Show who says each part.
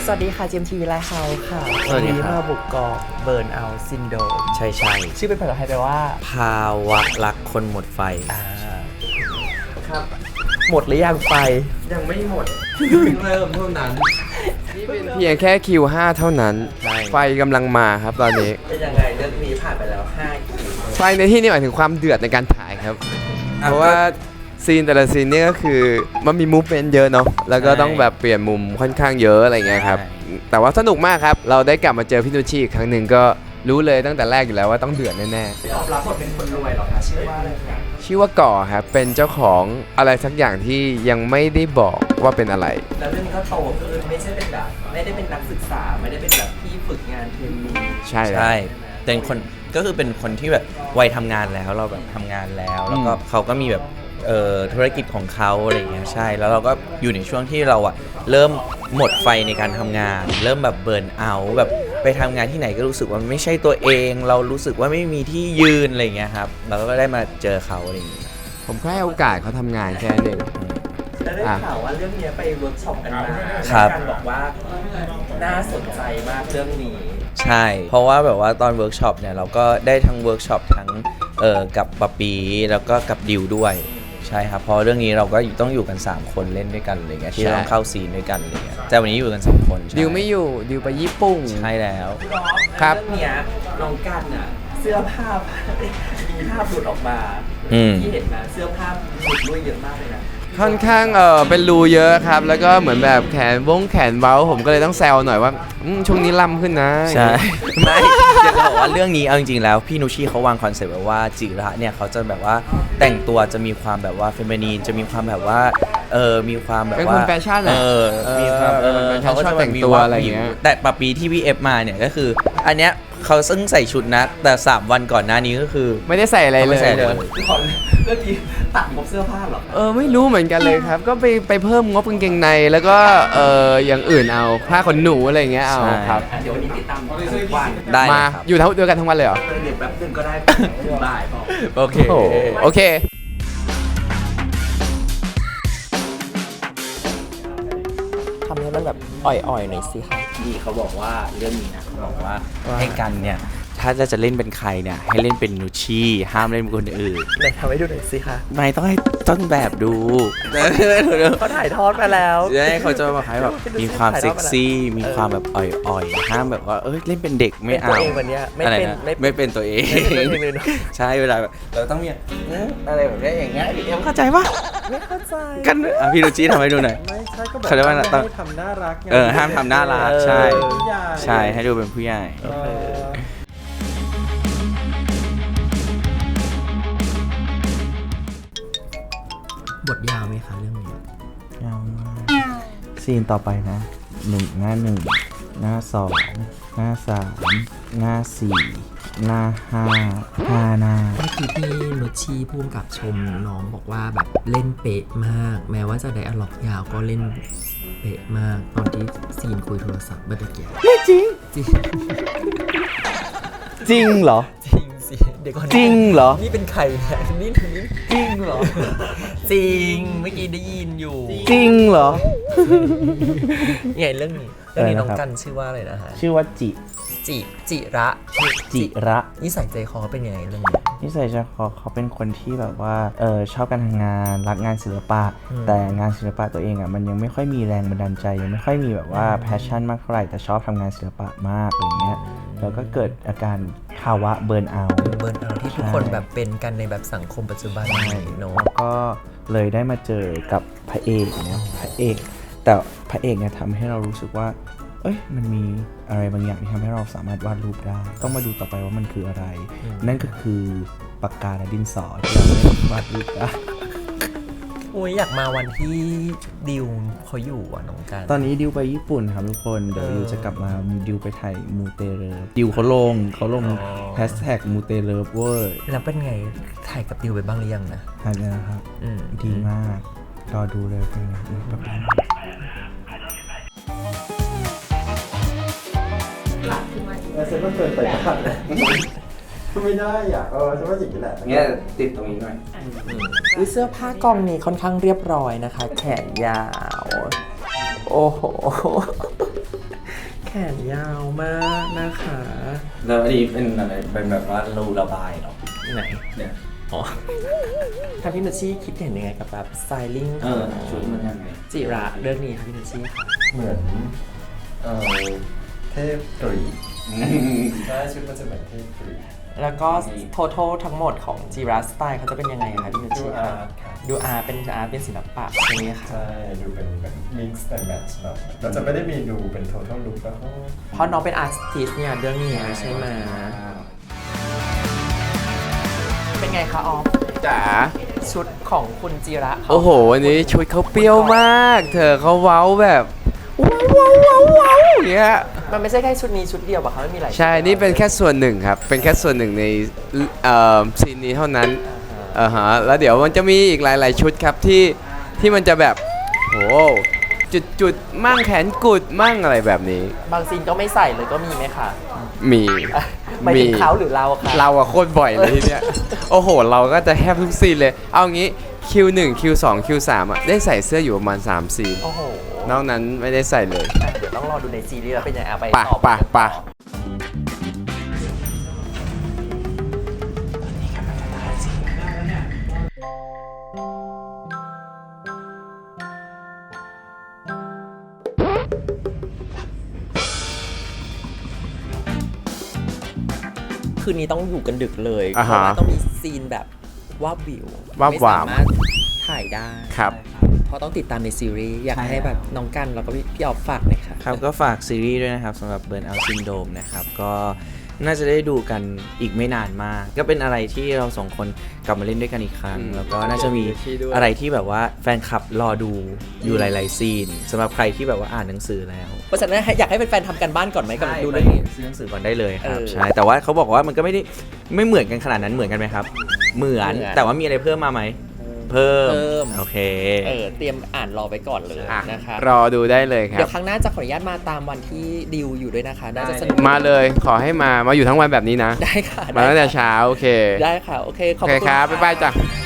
Speaker 1: สวัสดีค่ะ GMTV ไลฟ์เฮาส์ค่ะ
Speaker 2: สวัสดีครับ
Speaker 1: มาบุกกองเบิร์นเอาซินโดม
Speaker 2: ใช่
Speaker 1: ชื่อเป็นภาษาไทยแปลว่า
Speaker 2: ภาวะรักคนหมดไฟ
Speaker 1: ครับ หมดหรือยังไฟ
Speaker 2: ยังไม่หมด
Speaker 3: เริ่มเท่านั้น
Speaker 4: เพียงแค่คิว5เท่านั้น
Speaker 2: ใช่
Speaker 4: ไฟกำลังมาครับตอนนี้
Speaker 1: เป็นยังไงเรื่องนี้ผ่านไปแล้ว5 คิว
Speaker 4: ไฟในที่นี่หมายถึงความเดือดในการถ่ายครับ เพราะว่าซีนแต่ละซีนนี่ก็คือมันมีมูฟเมนต์เยอะเนาะแล้วก็ต้องแบบเปลี่ยนมุมค่อนข้างเยอะอะไรเงี้ยครับแต่ว่าสนุกมากครับเราได้กลับมาเจอพี่นุชชีอีกครั้งหนึ่งก็รู้เลยตั้งแต่แรกอยู่แล้วว่าต้องเดือดแน่ๆ
Speaker 1: ตอบรับบทเป็นคนรวยเหรอคะชื่อว่าอะไรคะ
Speaker 4: ชื่อว่าก่อครับเป็นเจ้าของอะไรสักอย่างที่ยังไม่ได้บอกว่าเป็นอะไร
Speaker 1: แล้วเรื่องนี้ก็โตขึ้นไม่ใช่เป็นแบบไม่ได้เป็นนักศึกษาไม่ได้เป็นแบบที่ฝึกงานเทรนนี
Speaker 4: ใช่แล้ว
Speaker 2: ใช่เป็นคนก็คือเป็นคนที่แบบวัยทำงานแล้วเราแบบทำงานแล้วแล้วก็เขาก็มีแบบธุรกิจของเขาอะไรอย่างเงี้ยใช่แล้วเราก็อยู่ในช่วงที่เราอะเริ่มหมดไฟในการทำงาน เริ่มแบบเบิร์นเอาท์แบบไปทำงานที่ไหนก็รู้สึกว่ามันไม่ใช่ตัวเอง เรารู้สึกว่าไม่มีที่ยืนอะไรอย่างเงี้ยครับเราก็ได้มาเจอเขาอะไรอย่างเงี้ย
Speaker 4: ผมแค่ให้โอกาสเขาทำงานแค่นั้นเอง
Speaker 1: แล้วได้ข่าวว่าเรื่องนี้ไปเวิร์กช็อปกันมา
Speaker 2: ครับ
Speaker 1: การบอกว่าน่าสนใจมากเรื่องนี้
Speaker 2: ใช่ เพราะว่าแบบว่าตอนเวิร์กช็อปเนี่ยเราก็ได้ทั้งเวิร์กช็อปทั้งกับปะปีแล้วก็กับดิวด้วยใช่ครับเพราะเรื่องนี้เราก็ต้องอยู่กัน3คนเล่นด้วยกันอะไรเงี้ยที่ต้องเข้าซีนด้วยกันอะไรเงี้ยแต่วันนี้อยู่กัน2คนใช่
Speaker 4: ดิวไม่อยู่ดิวไปญี่ปุ่น
Speaker 2: ใช่แล้ว
Speaker 4: ครับ
Speaker 1: เรื่องเนี้ยน้องกันอ่ะเสื้อผ้ามีภาพหลุดออกมา ที่เห็นนะเสื้อผ้าหลุดด้วยเยอะมากเลยนะ
Speaker 4: ค่อนข้างเป็นรูเยอะครับ แล้วก็เหมือนแบบแขนเว้าผมก็เลยต้องแซวหน่อยว่าช่วงนี้ล่ำขึ้นนะ
Speaker 2: ใช่ ไม่อยากจะบอกว่าเรื่องนี้เอาจริงๆแล้วพี่นุชชีเขาวางคอนเซ็ปต์แบบว่าจิระเนี่ยเขาจะแบบว่าแต่งตัวจะมีความแบบว่าเฟมินีนจะมีความแบบว่ามีความแบบว่า
Speaker 4: เป็นคนแฟชั่นอะ
Speaker 2: มีความ
Speaker 4: เขาก็ชอบแต่งตัวอะไรอย่างเงี้ย
Speaker 2: แต่ปะปีที่พี่เอฟมาเนี่ยก็คืออันเนี้ยเขาซึ่งใส่ชุดนะแต่3วันก่อนหน้านี้ก็คือ
Speaker 4: ไม่ได้ใส่อะไร
Speaker 2: เขา
Speaker 4: เล
Speaker 2: ไม่
Speaker 4: ย
Speaker 2: ใส่เลย
Speaker 1: ก่อนเรื่องนี้ตัดงบเสื้อผ้าเหรอ
Speaker 4: ไม่รู้เหมือนกันเลยครับ ก็ไปเพิ่มงบกางเกงในแล้วก็อย่างอื่นเอาผ้าขนหนูอะไรอย่างเงี้ยเอาครับ
Speaker 1: เดี๋ยววันนี้ติดตามทุกวัน
Speaker 2: ได้
Speaker 4: มา
Speaker 2: ครับ
Speaker 4: อยู่เดียวกันทั้งวันเลยเหรอ
Speaker 1: เดี๋ยวแป๊บนึงก็ได้ถึงบ่ายพอ
Speaker 2: โอเค
Speaker 4: โอเค
Speaker 1: ทำให้มันแบบอ่อยๆหน่อยสิคะ
Speaker 2: พี่เขาบอกว่าเรื่องนี้นะเขาบอกว่าให้กันเนี่ยถ้าจะเล่นเป็นใครเนี่ยให้เล่นเป็นนุชชีห้ามเล่นเป็นคนอื่น
Speaker 1: ไหนทำให้ดูหน่อยสิคะ
Speaker 2: ไม่ต้องให้ต้นแบบดู
Speaker 1: เขาถ่ายทอดมาแล้ว
Speaker 2: จะให้เขาจะมาให้แบบมีความเซ็กซี่มีความแบบอ่อยๆห้ามแบบว่าเล่นเป็นเด็กไม่
Speaker 1: เป็น
Speaker 2: เอา
Speaker 1: ตัวเองวันเนี้ยไม่
Speaker 2: อะไร
Speaker 1: เป็น
Speaker 2: นะ
Speaker 1: ไม่
Speaker 2: ไม่เป็นตัวเอง
Speaker 1: ไม่เป็นตัวเองเลยเนอะ
Speaker 2: ใช่เวลาแบบเราต้องมีอะไรแบบนี้อย่างเงี้ยเอ็มเข้าใจปะ
Speaker 1: ไม่เข้าใจ
Speaker 2: กันพี่นุชชีทำให้ดูหน่อย
Speaker 3: ไม่ใช่ก็แบบ
Speaker 2: เขาเรียกว่า
Speaker 3: ไม่
Speaker 2: ต้อง
Speaker 3: ให้ทำน่ารักไง
Speaker 2: ห้ามทำน่ารักใช่
Speaker 3: ผู้ใหญ่
Speaker 2: ใช่ให้ดูเป็นผู้ใหญ่
Speaker 3: เออ
Speaker 1: บทยาวไหมคะเรื่องนี้
Speaker 2: ยาวมากซีนต่อไปนะหน้า 1 หน้า 2 หน้า 3 หน้า 4 หน้า 5 หน้า
Speaker 5: เมื่อกี้ที่นุชชีพูดกับชมน้องบอกว่าแบบเล่นเป๊ะมาก แม้ว่าจะไดอะล็อกยาวก็เล่นเป๊ะมาก ตอนที่ซีนคุยโทรศัพท์เมื่อกี้
Speaker 2: ไม่จริง
Speaker 5: จริง
Speaker 2: จริงเหรอ
Speaker 5: จริงสิเดี๋ยวก่อน
Speaker 2: จริงเหรอ
Speaker 5: นี่เป็นใครเนี่ยนี่จริงเหรอ จริงเมื่อกี้ได้ยินอยู่
Speaker 2: จริงเหรอ
Speaker 5: ไงเรื่องนี้น้องกันชื่อว่าอะไรนะฮะ
Speaker 2: ชื่อว่า
Speaker 5: จิระ
Speaker 2: จิระ
Speaker 5: นิสัยใจคอเขาเป็นยังไงเรื่องนี้
Speaker 2: นิสัยใจคอเขาเป็นคนที่แบบว่าชอบการทำงานรักงานศิลปะ แต่งานศิลปะตัวเองอ่ะมันยังไม่ค่อยมีแรงบันดาลใจยังไม่ค่อยมีแบบว่าแพชชั่นมากเท่าไหร่แต่ชอบทำงานศิลปะมากอย่างเงี้ยแล้วก็เกิดอาการภาวะเบิร์นเอาท์
Speaker 5: เบิร์นเอาท์ที่ทุกคนแบบเป็นกันในแบบสังคมปัจจุบันนี้เนาะ
Speaker 2: แล้วก็เลยได้มาเจอกับพระเอกนะพระเอกแต่พระเอกเนี่ยทำให้เรารู้สึกว่ามันมีอะไรบางอย่างที่ทำให้เราสามารถวาดรูปได้ ต้องมาดูต่อไปว่ามันคืออะไร นั่นก็คือปากกาและดินสอที่เราได้วาดรูปได้
Speaker 5: โอ้ยอยากมาวันที่ดิวเขาอยู่อ่ะน้องกัน
Speaker 2: ตอนนี้ดิวไปญี่ปุ่นครับทุกคนเดี๋ยวดิวจะกลับมาดิวไปถ่ายมูเตเลิฟดิวเขาลงแฮชแท็กมูเตเลิฟเวอร์
Speaker 5: แล้วเป็นไงถ่ายกับดิวไปบ้างหรือยังนะ
Speaker 2: ถ่ายเลยนะครับดีมากรอดูเลยเป็นไงแบบนี้
Speaker 3: ฉันก็เกินไปบ้างไม่ได้อ่ะฉันว่าอย่างนี้แหละ
Speaker 2: เนี่ยติดตรงนี้หน่อย
Speaker 1: เสื้อผ้ากองนี้ค่อนข้างเรียบร้อยนะคะ แขนยาว โอ้โห
Speaker 5: นยาวมากนะคะ
Speaker 2: แล้วอันนี้เป็นอะไรเป็นแบบว่ารูระบายเหรอ
Speaker 5: ไหน
Speaker 2: เนี่ย
Speaker 5: อ๋อทางพี่นุชชี่คิดเห็นยังไงกับแบบสไตลิ่งข
Speaker 2: เอ
Speaker 5: อ
Speaker 2: อง ชุดมันยังไง
Speaker 5: จิระเรื่องนี้ค่ะพี่นุชชี่ค่ะ
Speaker 3: เหมือนเทพกรีกใช่ชุดมันจะเหมือนเทพกรีก
Speaker 5: แล้วก็total ทั้งหมดของจิระสไตล์เขาจะเป็นยังไงคะพี่นุช
Speaker 3: ดู
Speaker 5: ชี่
Speaker 3: อา
Speaker 5: คะ
Speaker 3: ร์ตค่ะ
Speaker 5: ดูอาร์เป็นศิลปะใช่ไหมคะ
Speaker 3: ใช่ดูเป็นแบบ mix and match เนาะเราจะไม่ได้มีดูเป็น total look แล้วก็
Speaker 5: เพราะน้องเป็นอาร์ติสเนี่ยเรื่องนี้ใช่ไหมเป็นไงคะออฟ
Speaker 4: จ๋า
Speaker 5: ชุดของคุณจิระเขา
Speaker 4: โอ้โหวันนี้ชุดเขาเปรี้ยวมาก เธอเขาเว้าแบบว้าวอย่างเงี้ย
Speaker 5: มันไม่ใช่แค่ชุดนี้ชุดเดียวป่ะคะไม่มีหลายชุด
Speaker 4: ใช่ นี่เป็นแค่ส่วนหนึ่งครับ เป็นแค่ส่วนหนึ่งในซีนนี้เท่านั้นแล้วเดี๋ยวมันจะมีอีกหลาย ๆ ชุดครับที่มันจะแบบโหจุดมั่งแขนกุดมั่งอะไรแบบนี้
Speaker 5: บางซีนก็ไม่ใส่เลยก็มีไหมคะ
Speaker 4: มี
Speaker 5: หมายถึงเขาหรือเราคะ
Speaker 4: เราอะโคตรบ่อยเลยทีเนี้ย โอ้โห เราก็จะแทบทุกซีนเลย เอางี้ Q1 Q2 Q3 อะได้ใส่เสื้ออยู่ประมาณ3ซีน
Speaker 5: โอ้โห
Speaker 4: นอกนั้นไม่ได้ใส่เลย
Speaker 5: เดี๋ยวต้องรอดูในซีรีส์แล้วเป็นยังไงเอาไป
Speaker 4: ป่ะ
Speaker 5: ต่อ
Speaker 4: ป่ะ
Speaker 5: คืนนี้ต้องอยู่กันดึกเลย
Speaker 4: อ่า
Speaker 5: เพ
Speaker 4: ฮะ
Speaker 5: ราะว่าต้องมีซีนแบบวาบวิว
Speaker 4: วาบ
Speaker 5: ไม่
Speaker 4: หวา
Speaker 5: สาม มารถถ่ายได้
Speaker 4: ครับ
Speaker 5: เพราะต้องติดตามในซีรีส์อยาก
Speaker 2: ใช่
Speaker 5: ให้แบบน้องกันแล้วก็พี่ออฟฝากหน่อยค่ะ
Speaker 2: ครับก็ฝากซีรีส์ด้วยนะครับสำหรับ Burnout Syndrome นะครับก็น่าจะได้ดูกันอีกไม่นานมาก ก็เป็นอะไรที่เราสองคนกลับมาเล่นด้วยกันอีกครั้ง แล้วก็น่าจะมีอะไรที่แบบว่าแฟนคลับรอดูอยู่หลายๆซีนสำหรับใครที่แบบว่าอ่านหนังสือแล้ว
Speaker 5: เพราะฉะนั้นอยากให้แฟนๆทำกันบ้านก่อนไหมกับดู
Speaker 2: เล
Speaker 5: เรื่
Speaker 2: ย
Speaker 5: องนี้
Speaker 2: ซื้อหนังสือก่อนได้เลยครับ
Speaker 5: เออ
Speaker 2: ใช่แต่ว่าเขาบอกว่ามันก็ไม่เหมือนกันขนาดนั้นเหมือนกันไหมครับ เหมือนแต่ว่ามีอะไรเพิ่มมาไหมเพิ่มโอเค
Speaker 5: เตรียมอ่านรอไปก่อนเลย
Speaker 4: อ่ะ
Speaker 5: นะคะ
Speaker 4: รอดูได้เลยครั
Speaker 5: เดี๋ย
Speaker 4: บ
Speaker 5: วครั้งหน้าจะขออนุญาตมาตามวันที่ดิวอยู่ด้วยนะคะ น่าจะสนุก
Speaker 4: มาเลยขอให้มาอยู่ทั้งวันแบบนี้นะ
Speaker 5: ได้ค่ะ
Speaker 4: มาตั้งแต่
Speaker 5: ได้ค่ะ
Speaker 4: เช้า โอเค
Speaker 5: ได้ค่ะ โอเค ข
Speaker 4: โอ
Speaker 5: อบ
Speaker 4: เค
Speaker 5: คุณ
Speaker 4: ครับ
Speaker 5: ะ
Speaker 4: บ๊ายบายจ้ะ